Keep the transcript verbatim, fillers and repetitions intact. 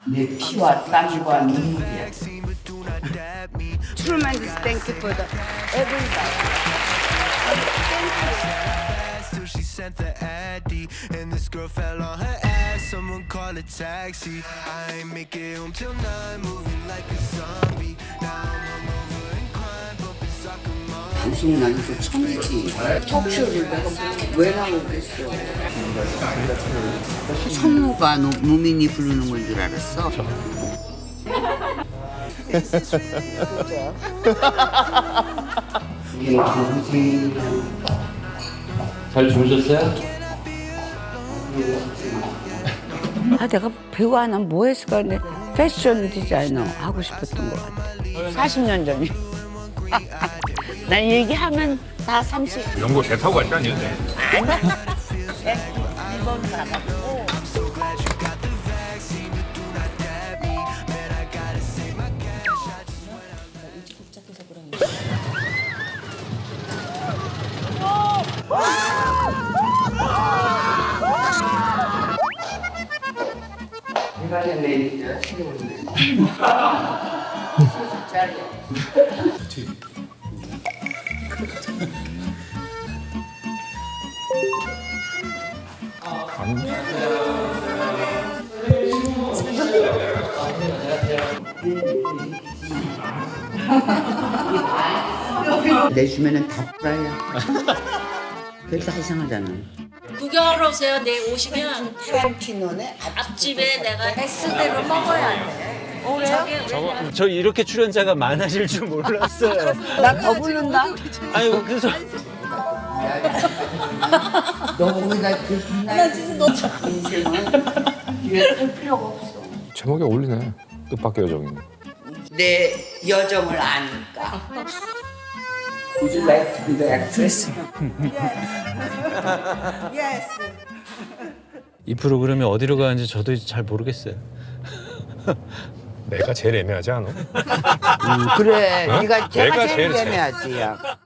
내 피와 땀과 눈물이야. Tremendous thank you for the everybody. Till she sent the addy, and this girl fell on her ass. Someone call a taxi. I ain't make it home till nine, moving like a zombie. Now I'm hungover and crying, bumping soccer mom. 방송 나니까 처음이지. 톡쇼를 내가 왜 나오겠어. 성우가 노, 노민이 부르는 건 줄 알았어. 이게 동생이랑 잘 주무셨어요? 아 내가 배우 안 하면 뭐 했을까 근데 패션 디자이너 하고 싶었던 것 같아. 사십 년 전이. 난 얘기하면 다 삼십. 연고 배 타고 갔다니. 아니야. 이번 가가지고. 내가 내리자. 내 주면은 다 뿌라야. 그게 다 이상하잖아. 구경하러 오세요. 내일 오시면 타란티노네 앞집에 내가 S대로 먹어야 돼. 그래요? 저, 저 이렇게 출연자가 많아질 줄 몰랐어요. 나 더 부른다. 아니 그래서 너 거기다 그 나 진짜 너 인생은 뒤에 설 필요가 없어. 제목에 어울리네. 뜻밖의 여정이네. 내 여정을 아니까. Would you like to be the actress? 이 프로그램이 어디로 가는지 저도 이제 잘 모르겠어요. 내가 제일 애매하지 않아? 음, 그래, 네가 제가 내가 제일 제일 애매하지. 야.